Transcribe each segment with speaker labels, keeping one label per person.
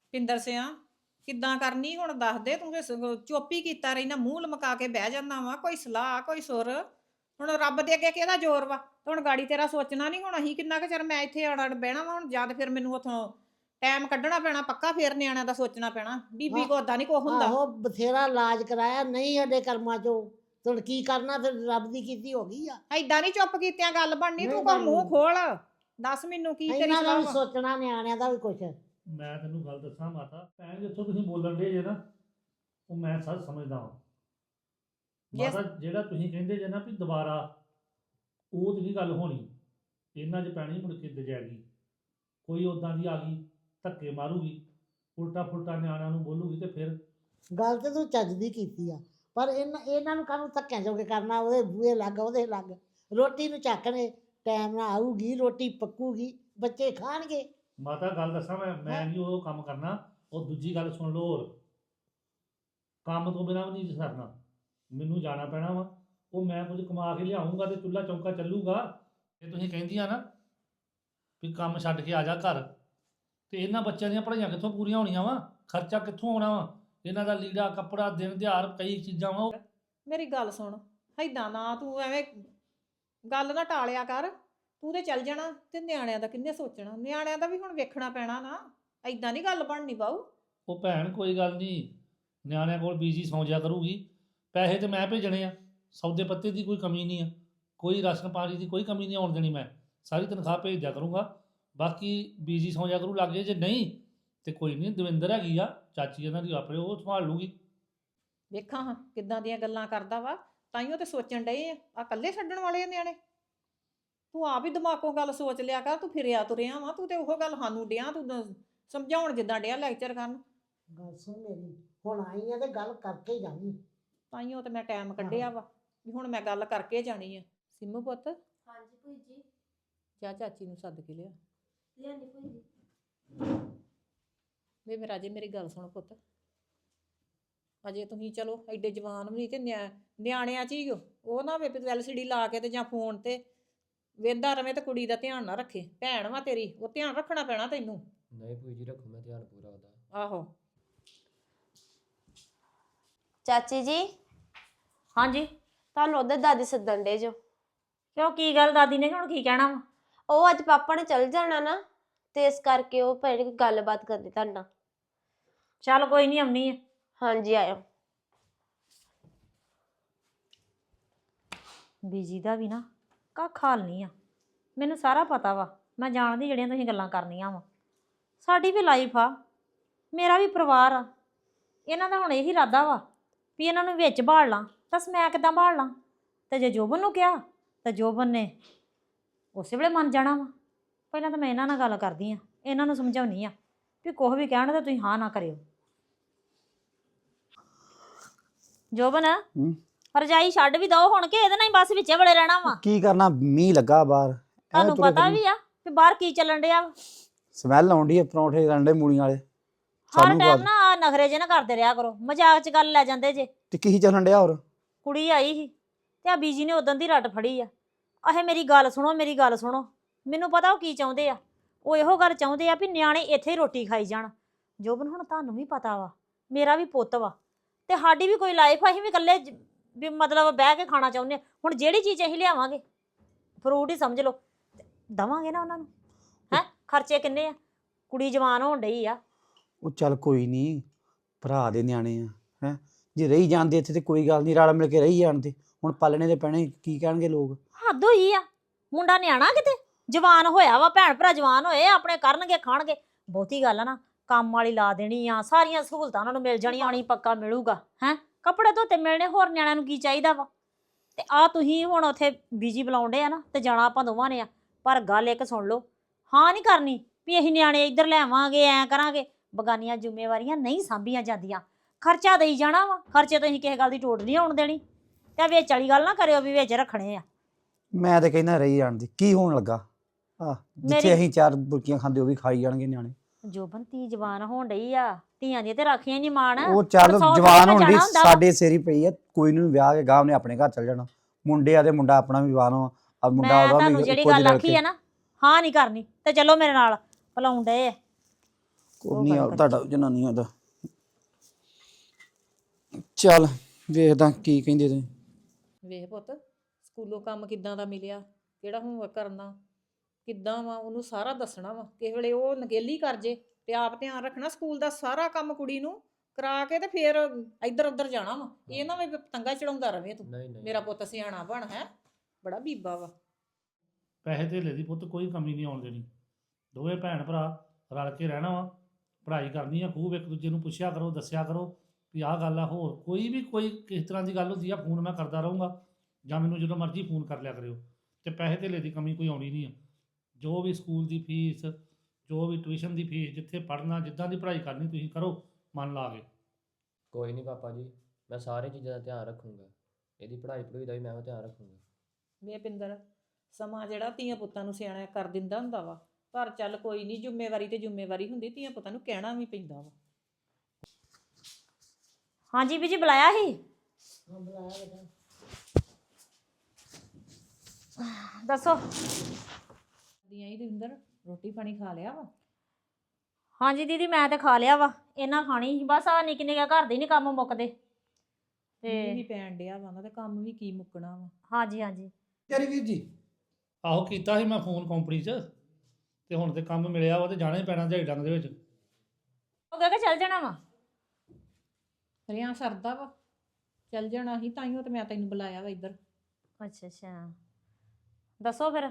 Speaker 1: ਪਿੰਦਰ ਸਿਆ ਕਿੱਦਾਂ ਕਰਨੀ ਹੁਣ ਦੱਸ ਦੇ ਤੂੰ ਤੇ ਚੁੱਪ ਹੀ ਕੀਤਾ ਰਹਿਣਾ ਮੂੰਹ ਲਮਕਾ ਕੇ ਬਹਿ ਜਾਂਦਾ ਵਾ ਕੋਈ ਸਲਾਹ ਕੋਈ ਸੁਰ ਹੁਣ ਰੱਬ ਦੇ ਅੱਗੇ ਕਿਹਦਾ ਜ਼ੋਰ ਵਾ ਹੁਣ ਗਾੜੀ ਤੇਰਾ ਸੋਚਣਾ ਨਹੀਂ ਹੁਣ ਅਸੀਂ ਕਿੰਨਾ ਕੁ ਚਿਰ ਮੈਂ ਇੱਥੇ ਅੜ ਬਹਿਣਾ ਵਾ ਹੁਣ ਜਦ ਫਿਰ ਮੈਨੂੰ ਉਥੋਂ ਟਾਈਮ ਕੱਢਣਾ ਪੈਣਾ ਪੱਕਾ ਫੇਰ ਨਿਆਣਿਆਂ ਦਾ ਸੋਚਣਾ ਪੈਣਾ ਬੀਬੀ ਕੋ ਓਦਾਂ ਨਹੀਂ ਕੋ ਹੁੰਦਾ
Speaker 2: ਆਹੋ ਬਥੇਰਾ ਇਲਾਜ ਕਰਾਇਆ ਨਹੀਂ ਸਾਡੇ ਕਰਮਾਂ ਚੋਂ ਹੁਣ ਕੀ ਕਰਨਾ ਫਿਰ ਰੱਬ ਦੀ ਕੀਤੀ ਹੋ ਗਈ ਆ
Speaker 1: ਐਦਾਂ ਨਹੀਂ ਚੁੱਪ ਕੀਤਿਆਂ ਗੱਲ ਬਣਨੀ
Speaker 2: ਨਹੀਂ
Speaker 1: ਤੂੰ ਕੋ ਮੂੰਹ
Speaker 2: ਬਣਨੀ।
Speaker 1: ਖੋਲ ਦੱਸ ਮੈਨੂੰ ਕੀ ਤੇਰੀ
Speaker 2: ਇਹਨਾਂ ਦਾ
Speaker 1: ਸਲਾਹ
Speaker 2: ਵੀ
Speaker 1: ਵਾ?
Speaker 2: ਸੋਚਣਾ ਨਿਆਣਿਆਂ ਦਾ ਵੀ ਕੁਛ
Speaker 3: ਮੈਂ ਤੈਨੂੰ ਗੱਲ ਦੱਸਾਂ ਮਾਤਾ ਭੈਣ ਜਿੱਥੋਂ ਤੁਸੀਂ ਬੋਲਣ ਦੇ ਜੇ ਨਾ ਉਹ ਮੈਂ ਸਭ ਸਮਝਦਾ ਹਾਂ
Speaker 1: Yes.
Speaker 3: ਮਾਤਾ ਜਿਹੜਾ ਤੁਸੀਂ ਕਹਿੰਦੇ ਜੇ ਨਾ ਵੀ ਦੁਬਾਰਾ ਉਹ ਤੇ ਨਹੀਂ ਗੱਲ ਹੋਣੀ ਇਹਨਾਂ 'ਚ ਪੈਣੀ ਮੁੜ ਕੇ ਦਜੈਗੀ ਕੋਈ ਉਦਾਂ ਦੀ ਆ ਗਈ ਧੱਕੇ ਮਾਰੂਗੀ ਉਲਟਾ ਫੁਲਟਾ ਨਿਆਣਿਆਂ ਨੂੰ ਬੋਲੂਗੀ ਤੇ ਫਿਰ
Speaker 2: ਗੱਲ ਤੇ ਤੂੰ ਚੱਜ ਦੀ ਕੀਤੀ ਆ ਪਰ ਇਹਨਾਂ ਨੂੰ ਕਾਹਨੂੰ ਧੱਕਿਆਂ ਚੋਂ ਕੇ ਕਰਨਾ ਉਹਦੇ ਬੂਹੇ ਲੱਗ ਉਹਦੇ ਲੱਗ ਰੋਟੀ ਨੂੰ ਚੱਕਣੇ ਟਾਈਮ ਨਾਲ ਆਊਗੀ ਰੋਟੀ ਪੱਕੂਗੀ ਬੱਚੇ ਖਾਣਗੇ
Speaker 3: ਮਾਤਾ ਗੱਲ ਦੱਸਾਂ ਮੈਂ ਨਹੀਂ ਉਹ ਕੰਮ ਕਰਨਾ ਉਹ ਦੂਜੀ ਗੱਲ ਸੁਣ ਲਓ ਹੋਰ ਕੰਮ ਤੋਂ ਬਿਨਾਂ ਵੀ ਨਹੀਂ ਸਰਨਾ ਮੈਨੂੰ ਜਾਣਾ ਪੈਣਾ ਵਾ ਉਹ ਮੈਂ ਕੁਝ ਕਮਾ ਕੇ ਲਿਆਉਂਗਾ ਤੇ ਚੁੱਲ੍ਹਾ ਚੌਂਕਾ ਚੱਲੂਗਾ ਇਹ ਤੁਸੀਂ ਕਹਿੰਦੀਆਂ ਨਾ ਵੀ ਕੰਮ ਛੱਡ ਕੇ ਆ ਜਾ ਘਰ ਤੇ ਇਹਨਾਂ ਬੱਚਿਆਂ ਦੀਆਂ ਪੜ੍ਹਾਈਆਂ ਕਿੱਥੋਂ ਪੂਰੀਆਂ ਹੋਣੀਆਂ ਵਾ ਖਰਚਾ ਕਿੱਥੋਂ ਆਉਣਾ ਵਾ ਇਹਨਾਂ ਦਾ ਲੀੜਾ ਕੱਪੜਾ ਦਿਨ ਦਿਹਾੜ ਕਈ ਚੀਜ਼ਾਂ ਵਾ
Speaker 1: ਮੇਰੀ ਗੱਲ ਸੁਣ ਏਦਾਂ ਨਾ ਤੂੰ ਐਵੇਂ ਗੱਲ ਨਾ ਟਾਲਿਆ ਕਰ ਤੂੰ ਤੇ ਚੱਲ ਜਾਣਾ ਤੇ ਨਿਆਣਿਆਂ ਦਾ ਕਿੰਨੇ ਸੋਚਣਾ ਨਿਆਣਿਆਂ ਦਾ ਵੀ ਹੁਣ ਵੇਖਣਾ ਪੈਣਾ ਨਾ ਏਦਾਂ ਨਹੀਂ ਗੱਲ ਬਣਨੀ ਬਾਊ
Speaker 3: ਉਹ ਭੈਣ ਕੋਈ ਗੱਲ ਨਹੀਂ ਨਿਆਣਿਆਂ ਕੋਲ ਬੀਜੀ ਸੌਂ ਜਾ ਕਰੂਗੀ ਪੈਸੇ ਤੇ ਮੈਂ ਭੇਜਣੇ ਆ ਸੌਦੇ ਪੱਤੇ ਦੀ ਕੋਈ ਕਮੀ ਨਹੀਂ ਆ ਕੋਈ ਰਾਸ਼ਨ ਪਾਣੀ ਦੀ ਕੋਈ ਕਮੀ ਨਹੀਂ ਆਉਣ ਦੇਣੀ ਮੈਂ ਸਾਰੀ ਤਨਖਾਹ ਭੇਜ ਦਿਆ ਕਰੂੰਗਾ ਬਾਕੀ ਬੀਜੀ ਸੌਂ ਜਾ ਕਰੂ ਲੱਗੇ ਜੇ ਨਹੀਂ ਤੇ ਕੋਈ ਨਹੀਂ ਦਵਿੰਦਰ ਹੈਗੀ ਆ ਚਾਚੀ ਇਹਨਾਂ ਦੀ ਆਪਣੇ ਉਹ ਸੰਭਾਲ ਲੂਗੀ
Speaker 1: ਵੇਖਾਂ ਹਾਂ ਕਿੱਦਾਂ ਦੀਆਂ ਗੱਲਾਂ ਕਰਦਾ ਵਾ ਤਾਈਓ ਤੇ ਸੋਚਣ ਡਏ ਆ ਇਕੱਲੇ ਛੱਡਣ ਵਾਲੇ ਆ ਨਿਆਣੇ ਤੂੰ ਆਪ ਹੀ ਦਿਮਾਗੋਂ ਗੱਲ ਸੋਚ ਲਿਆ ਕਰ ਤੂੰ ਫਿਰਿਆ ਤੁਰਿਆ ਵਾ ਤੂੰ ਤੇ ਉਹ ਗੱਲ ਸਾਨੂੰ ਡਿਆ ਤੂੰ ਸਮਝਾਉਣ ਜਿੱਦਾਂ ਡਿਆ ਲੈਕਚਰ ਕਰਨ
Speaker 2: ਗੱਲ ਸੁਣ ਮੇਰੀ ਹੁਣ ਆਈ ਆ ਤੇ ਗੱਲ ਕਰਕੇ ਹੀ ਜਾਣੀ
Speaker 1: ਤਾਈਓ ਤੇ ਮੈਂ ਟਾਈਮ ਕੱਢਿਆ ਵਾ ਵੀ ਹੁਣ ਮੈਂ ਗੱਲ ਕਰਕੇ ਜਾਣੀ ਆ ਸਿੰਮੂ ਪੁੱਤ
Speaker 4: ਹਾਂਜੀ ਭੂਈ ਜੀ
Speaker 1: ਜਾ ਚਾਚੀ ਨੂੰ ਸੱਦ ਕੇ ਲਿਆ
Speaker 4: ਲਿਆਂਦੀ ਭੂਈ ਜੀ
Speaker 1: ਵੇ ਮੇਰਾ ਜੇ ਮੇਰੀ ਗੱਲ ਸੁਣ ਪੁੱਤ ਅਜੇ ਤੁਸੀਂ ਚਲੋ ਐਡੇ ਜਵਾਨ ਵੀ ਨਹੀਂ ਤੇ ਨਿਆਣਿਆਂ 'ਚ ਹੀ ਉਹ ਨਾ ਵੇ LCD ਲਾ ਕੇ ਤੇ ਜਾਂ ਫੋਨ ਤੇ ਵੇਂਦਾ ਰਵੇਂ ਤੇ ਕੁੜੀ ਦਾ ਧਿਆਨ ਨਾ ਰੱਖੇ ਭੈਣ ਵਾ ਤੇਰੀ ਉਹ ਧਿਆਨ ਰੱਖਣਾ ਪੈਣਾ ਤੈਨੂੰ
Speaker 5: ਨਹੀਂ ਭੂਈ ਜੀ ਰੱਖੋ ਮੈਂ ਧਿਆਨ ਪੂਰਾ ਉਹਦਾ
Speaker 1: ਆਹੋ
Speaker 4: ਚਾਚੀ ਜੀ
Speaker 6: ਹਾਂਜੀ
Speaker 4: ਤੁਹਾਨੂੰ ਉਧਰ ਦਾਦੀ ਸੱਦਣ ਡੇ ਜੋ
Speaker 6: ਕਿਉਂ ਕੀ ਗੱਲ ਦਾਦੀ ਨੇ ਹੁਣ ਕੀ ਕਹਿਣਾ ਵਾ
Speaker 4: ਉਹ ਅੱਜ ਪਾਪਾ ਨੇ ਚਲ ਜਾਣਾ ਨਾ ਤੇ ਇਸ ਕਰਕੇ ਉਹ ਭੈਣ ਕੋਈ ਗੱਲਬਾਤ ਕਰਨੀ ਤੁਹਾਡੇ ਨਾਲ
Speaker 6: ਚੱਲ ਕੋਈ ਨਹੀਂ ਆਉਣੀ ਆ
Speaker 4: ਹਾਂਜੀ ਆਇਓ
Speaker 6: ਬੀਜੀ ਦਾ ਵੀ ਨਾ ਕੱਖ ਹਾਲ ਨਹੀਂ ਆ ਮੈਨੂੰ ਸਾਰਾ ਪਤਾ ਵਾ ਮੈਂ ਜਾਣਦੀ ਜਿਹੜੀਆਂ ਤੁਸੀਂ ਗੱਲਾਂ ਕਰਨੀਆਂ ਵਾ ਸਾਡੀ ਵੀ ਲਾਈਫ ਆ ਮੇਰਾ ਵੀ ਪਰਿਵਾਰ ਆ ਇਹਨਾਂ ਦਾ ਹੁਣ ਇਹੀ ਇਰਾਦਾ ਵਾ ਵੀ ਇਹਨਾਂ ਨੂੰ ਵਿੱਚ ਬਾੜ ਲਾਂ ਦੱਸ ਮੈਂ ਕਿੱਦਾਂ ਬਾੜ ਲਾਂ ਤੇ ਜੇ ਜੋਬਨ ਨੂੰ ਕਿਹਾ ਤਾਂ ਜੋਬਨ ਨੇ ਉਸੇ ਵੇਲੇ ਮੰਨ ਜਾਣਾ ਵਾ ਪਹਿਲਾਂ ਤਾਂ ਮੈਂ ਇਹਨਾਂ ਨਾਲ ਗੱਲ ਕਰਦੀ ਆ ਇਹਨਾਂ ਨੂੰ ਸਮਝਾਉਣੀ ਆ ਵੀ ਕੁਛ ਵੀ ਕਹਿਣ ਤਾਂ ਤੁਸੀਂ ਹਾਂ ਨਾ ਕਰਿਓ ਜੋਬਨ ਰਜਾਈ ਛੱਡ ਵੀ ਦੋ ਹੁਣ ਕਿ ਇਹਦੇ ਨਾਲ ਹੀ ਬਸ ਵਿੱਚੇ ਬੜੇ ਰਹਿਣਾ ਵਾ
Speaker 7: ਕੀ ਕਰਨਾ ਮੀਂਹ ਲੱਗਾ ਬਾਹਰ
Speaker 6: ਤੁਹਾਨੂੰ ਪਤਾ ਵੀ ਆ ਕਿ ਬਾਹਰ ਕੀ ਚੱਲਣ ਡਿਆ ਵਾ
Speaker 7: ਸਮੈਲ ਆਉਂਦੀ ਹੈ ਪਰੌਂਠੇ ਰੰਡੇ ਮੂਲੀਆਂ ਵਾਲੇ
Speaker 6: ਹਰ
Speaker 7: ਸਾਨੂੰ
Speaker 6: ਟਾਈਮ
Speaker 7: ਬਾਅਦ
Speaker 6: ਨਾ ਆਹ ਨਖਰੇ ਜੇ ਨਾ ਕਰਦੇ ਰਿਹਾ ਕਰੋ ਮਜ਼ਾਕ 'ਚ ਗੱਲ ਲੈ ਜਾਂਦੇ ਜੇ
Speaker 7: ਤੇ ਕੀ ਚੱਲਣ ਡਿਆ ਹੋਰ
Speaker 6: ਕੁੜੀ ਆਈ ਸੀ ਤੇ ਆ ਬੀਜੀ ਨੇ ਉਦੋਂ ਦੀ ਰੱਟ ਫੜੀ ਆ ਆਹੇ ਮੇਰੀ ਗੱਲ ਸੁਣੋ ਮੇਰੀ ਗੱਲ ਸੁਣੋ ਮੈਨੂੰ ਪਤਾ ਉਹ ਕੀ ਚਾਹੁੰਦੇ ਆ ਉਹ ਇਹੋ ਗੱਲ ਚਾਹੁੰਦੇ ਆ ਵੀ ਨਿਆਣੇ ਇੱਥੇ ਹੀ ਰੋਟੀ ਖਾਈ ਜਾਣ ਜੋਬਨ ਹੁਣ ਤੁਹਾਨੂੰ ਵੀ ਪਤਾ ਵਾ ਮੇਰਾ ਵੀ ਪੁੱਤ ਵਾ ਤੇ ਸਾਡੀ ਵੀ ਕੋਈ ਲਾਈਫ ਆ ਅਸੀਂ ਵੀ ਇਕੱਲੇ ਵੀ ਮਤਲਬ ਬਹਿ ਕੇ ਖਾਣਾ ਚਾਹੁੰਦੇ ਆ ਹੁਣ ਜਿਹੜੀ ਚੀਜ਼ ਅਸੀਂ ਲਿਆਵਾਂਗੇ ਫਰੂਟ ਹੀ ਸਮਝ ਲਓ ਦਵਾਂਗੇ ਨਾ ਉਹਨਾਂ ਨੂੰ ਹੈ ਖਰਚੇ ਕਿੰਨੇ ਆ ਕੁੜੀ ਜਵਾਨ ਹੋਣ ਡਈ ਆ
Speaker 7: ਉਹ ਚੱਲ ਕੋਈ ਨਹੀਂ ਭਰਾ ਦੇ ਨਿਆਣੇ ਆ ਹੈ ਜੇ ਰਹੀ ਜਾਂਦੇ ਇੱਥੇ ਤੇ ਕੋਈ ਗੱਲ ਨਹੀਂ ਰਲ ਮਿਲ ਕੇ ਰਹੀ ਜਾਣਦੇ ਹੁਣ ਪਾਲਣੇ ਦੇ ਪੈਣੇ ਕੀ ਕਹਿਣਗੇ ਲੋਕ
Speaker 6: ਹੱਦ ਹੋਈ ਆ ਮੁੰਡਾ ਨਿਆਣਾ ਕਿਤੇ ਜਵਾਨ ਹੋਇਆ ਵਾ ਭੈਣ ਭਰਾ ਜਵਾਨ ਹੋਏ ਆਪਣੇ ਕਰਨਗੇ ਖਾਣਗੇ ਬਹੁਤੀ ਗੱਲ ਆ ਨਾ ਕੰਮ ਵਾਲੀ ਲਾ ਦੇਣੀ ਆ ਸਾਰੀਆਂ ਸਹੂਲਤਾਂ ਉਹਨਾਂ ਨੂੰ ਮਿਲ ਜਾਣੀਆਂ ਆਣੀ ਪੱਕਾ ਮਿਲੂਗਾ ਹੈ ਕੱਪੜੇ ਧੋਤੇ ਮਿਲਣੇ ਹੋਰ ਨਿਆਣਿਆਂ ਨੂੰ ਕੀ ਚਾਹੀਦਾ ਵਾ ਤੇ ਆ ਤੁਸੀਂ ਹੁਣ ਉੱਥੇ ਬੀਜੀ ਬੁਲਾਉਂਦੇ ਆ ਨਾ ਤੇ ਜਾਣਾ ਆਪਾਂ ਦੋਵਾਂ ਨੇ ਆ ਪਰ ਗੱਲ ਇੱਕ ਸੁਣ ਲਓ ਹਾਂ ਨਹੀਂ ਕਰਨੀ ਵੀ ਅਸੀਂ ਨਿਆਣੇ ਇੱਧਰ ਲੈਵਾਂਗੇ ਐਂ ਕਰਾਂਗੇ ਬਗਾਨੀਆਂ ਜ਼ਿੰਮੇਵਾਰੀਆਂ ਨਹੀਂ ਸਾਂਭੀਆਂ ਜਾਂਦੀਆਂ ਖਰਚਾ ਦੇਈ ਜਾਣਾ ਵਾ ਖਰਚੇ ਤੋਂ ਅਸੀਂ ਕਿਸੇ ਗੱਲ ਦੀ ਟੋਟ ਨਹੀਂ ਆਉਣ ਦੇਣੀ ਤੇ ਵਿੱਚ ਵਾਲੀ ਗੱਲ ਨਾ ਕਰਿਓ ਵੀ ਵਿੱਚ ਰੱਖਣੇ ਆ
Speaker 7: ਮੈਂ ਤੇ ਕਹਿੰਦਾ ਰਹੀ ਜਾਣਦੀ ਕੀ ਹੋਣ ਲੱਗਾ ਆ ਜਿੱਥੇ ਅਸੀਂ ਚਾਰ ਬੁਰਕੀਆਂ ਖਾਂਦੇ ਉਹ ਵੀ ਖਾਈ ਜਾਣਗੇ ਨਿਆਣੇ
Speaker 6: ਜੋਬਨ ਧੀ ਜਵਾਨ ਹੋਣ ਡਈ ਆ ਧੀਆਂ ਦੀਆਂ ਤੇ ਰਾਖੀਆਂ ਨਹੀਂ ਮਾਣ
Speaker 7: ਉਹ ਚੱਲ
Speaker 6: ਪਰ ਸੌ
Speaker 7: ਜਵਾਨ
Speaker 6: ਜਗ੍ਹਾ
Speaker 7: ਹੋਣ ਦੀ
Speaker 6: ਜਾਣਾ ਹੁੰਦਾ ਵਾ।
Speaker 7: ਸਾਡੇ ਸਿਰ ਹੀ ਪਈ ਆ ਕੋਈ ਨੂੰ ਵਿਆਹ ਕੇ ਗਾਹ ਨੇ ਆਪਣੇ ਘਰ ਚੱਲ ਜਾਣਾ ਮੁੰਡੇ ਆ ਤੇ ਮੁੰਡਾ ਆਪਣਾ ਵੀ ਜਵਾਨ ਆ ਮੁੰਡਾ
Speaker 6: ਮੈਂ
Speaker 7: ਉਹਦਾ
Speaker 6: ਤੁਹਾਨੂੰ
Speaker 7: ਵੀ
Speaker 6: ਜਿਹੜੀ
Speaker 7: ਇੱਕੋ ਜਿਹੇ
Speaker 6: ਗੱਲ ਆਖੀ
Speaker 7: ਲੜਕੇ
Speaker 6: ਆ ਨਾ ਹਾਂ ਨਹੀਂ ਕਰਨੀ ਤੇ ਚਲੋ ਮੇਰੇ ਨਾਲ ਭਲਾਉਣ ਡਏ ਆ
Speaker 7: ਕੋਈ ਨਹੀਂ ਆ ਤੁਹਾਡਾ ਜਨਾਨੀਆਂ ਦਾ। ਚੱਲ ਵੇਖਦਾ ਕੀ ਕਹਿੰਦੇ ਤੁਸੀਂ।
Speaker 1: ਵੇਖ ਪੁੱਤ ਸਕੂਲੋਂ ਕੰਮ ਕਿੱਦਾਂ ਦਾ ਮਿਲਿਆ, ਕਿਹੜਾ ਹੋਮਵਰਕ ਕਰਨਾ, ਕਿੱਦਾਂ ਵਾ ਉਹਨੂੰ ਸਾਰਾ ਦੱਸਣਾ ਵਾ। ਕਿਸੇ ਵੇਲੇ ਉਹ ਨਗੇਲੀ ਕਰ ਜੇ ਤੇ ਆਪ ਧਿਆਨ ਰੱਖਣਾ। ਸਕੂਲ ਦਾ ਸਾਰਾ ਕੰਮ ਕੁੜੀ ਨੂੰ ਕਰਾ ਕੇ ਤੇ ਫਿਰ ਇੱਧਰ ਉੱਧਰ ਜਾਣਾ ਵਾ। ਇਹ ਨਾ ਵੀ ਪਤੰਗਾ ਚੜਾਉਂਦਾ ਰਵੇਂ ਤੂੰ।
Speaker 5: ਨਹੀਂ ਨਹੀਂ
Speaker 1: ਮੇਰਾ ਪੁੱਤ ਸਿਆਣਾ ਬਣ ਹੈ, ਬੜਾ ਬੀਬਾ ਵਾ।
Speaker 3: ਪੈਸੇ ਧੇਲੇ ਦੀ ਪੁੱਤ ਕੋਈ ਕਮੀ ਨਹੀਂ ਆਉਣ ਦੇਣੀ। ਦੋਵੇਂ ਭੈਣ ਭਰਾ ਰਲ ਕੇ ਰਹਿਣਾ ਵਾ, ਪੜ੍ਹਾਈ ਕਰਨੀ ਆ ਖੂਬ, ਇੱਕ ਦੂਜੇ ਨੂੰ ਪੁੱਛਿਆ ਕਰੋ, ਦੱਸਿਆ ਕਰੋ ਵੀ ਆਹ ਗੱਲ ਆ। ਹੋਰ ਕੋਈ ਵੀ ਕੋਈ ਕਿਸ ਤਰ੍ਹਾਂ ਦੀ ਗੱਲ ਹੁੰਦੀ ਆ ਫੋਨ ਮੈਂ ਕਰਦਾ ਰਹੂੰਗਾ, ਜਾਂ ਮੈਨੂੰ ਜਦੋਂ ਮਰਜ਼ੀ ਫੋਨ ਕਰ ਲਿਆ ਕਰਿਓ। ਤੇ ਪੈਸੇ ਧੇਲੇ ਦੀ ਕਮੀ ਕੋਈ ਆਉਣੀ ਨਹੀਂ ਆ। ਜੋ ਵੀ ਸਕੂਲ ਦੀ ਫੀਸ, ਜੋ ਵੀ ਟਿਊਸ਼ਨ ਦੀ ਫੀਸ, ਜਿੱਥੇ ਪੜ੍ਹਨਾ ਜਿੱਦਾਂ ਦੀ ਪੜ੍ਹਾਈ ਕਰਨੀ ਤੁਸੀਂ ਕਰੋ ਮਨ ਲਾ ਕੇ।
Speaker 5: ਕੋਈ ਨਹੀਂ ਪਾਪਾ ਜੀ, ਮੈਂ ਸਾਰੀ ਚੀਜ਼ਾਂ ਦਾ ਧਿਆਨ ਰੱਖੂੰਗਾ। ਇਹਦੀ ਪੜ੍ਹਾਈ ਪੜ੍ਹਾਈ ਦਾ ਵੀ ਮੈਂ ਧਿਆਨ ਰੱਖੂੰਗਾ।
Speaker 1: ਵੇ ਪਿੰਦਰ, ਸਮਾਂ ਜਿਹੜਾ ਧੀਆਂ ਪੁੱਤਾਂ ਨੂੰ ਸਿਆਣਾ ਕਰ ਦਿੰਦਾ ਹੁੰਦਾ ਵਾ, ਪਰ ਚੱਲ ਕੋਈ ਨਹੀਂ, ਜ਼ਿੰਮੇਵਾਰੀ ਤੇ ਜ਼ਿੰਮੇਵਾਰੀ ਹੁੰਦੀ, ਧੀਆਂ ਪੁੱਤਾਂ ਨੂੰ ਕਹਿਣਾ ਵੀ ਪੈਂਦਾ ਵਾ।
Speaker 6: ਹਾਂਜੀ ਬੀਜੀ ਬੁਲਾਇਆ ਸੀ?
Speaker 2: ਹਾਂ ਬੁਲਾਇਆ ਬੇਟਾ।
Speaker 6: ਦੱਸੋ।
Speaker 1: ਦੀਆਂ ਹੀ ਦਵਿੰਦਰ, ਰੋਟੀ ਪਾਣੀ ਖਾ ਲਿਆ ਵਾ?
Speaker 6: ਹਾਂਜੀ ਦੀਦੀ ਮੈਂ ਤੇ ਖਾ ਲਿਆ ਵਾ, ਇਹਨਾਂ ਖਾਣੀ ਸੀ ਬਸ। ਆ ਨਿੱਕੇ ਨਿੱਕੇ ਘਰ ਦੇ ਨਹੀਂ ਕੰਮ ਮੁੱਕਦੇ
Speaker 1: ਮੀਂਹ ਵੀ
Speaker 6: ਤੇ
Speaker 1: ਪੈਣ ਡਿਆ ਵਾ ਨਾ, ਤੇ ਕੰਮ ਵੀ ਕੀ ਮੁੱਕਣਾ ਵਾ।
Speaker 6: ਹਾਂਜੀ ਹਾਂਜੀ।
Speaker 7: ਤੇਰੀ ਵੀਰ ਜੀ
Speaker 3: ਆਹੋ ਕੀਤਾ ਸੀ ਮੈਂ ਫੋਨ ਕੰਪਨੀ 'ਚ, ਤੇ ਹੁਣ ਤੇ ਕੰਮ ਮਿਲਿਆ ਵਾ ਤੇ ਜਾਣਾ ਹੀ ਪੈਣਾ ਦਿਹਾੜੀ ਡੰਗ ਦੇ ਵਿੱਚ।
Speaker 6: ਉਹ ਕਹਿ ਕੇ ਚੱਲ ਜਾਣਾ ਵਾ।
Speaker 1: ਰਿਆਂ ਸਰਦਾ ਵਾ, ਚੱਲ ਜਾਣਾ ਸੀ, ਤਾਈਓ ਤੇ ਮੈਂ ਤੈਨੂੰ ਬੁਲਾਇਆ ਵਾ ਇੱਧਰ।
Speaker 6: ਅੱਛਾ ਅੱਛਾ ਦੱਸੋ ਫਿਰ।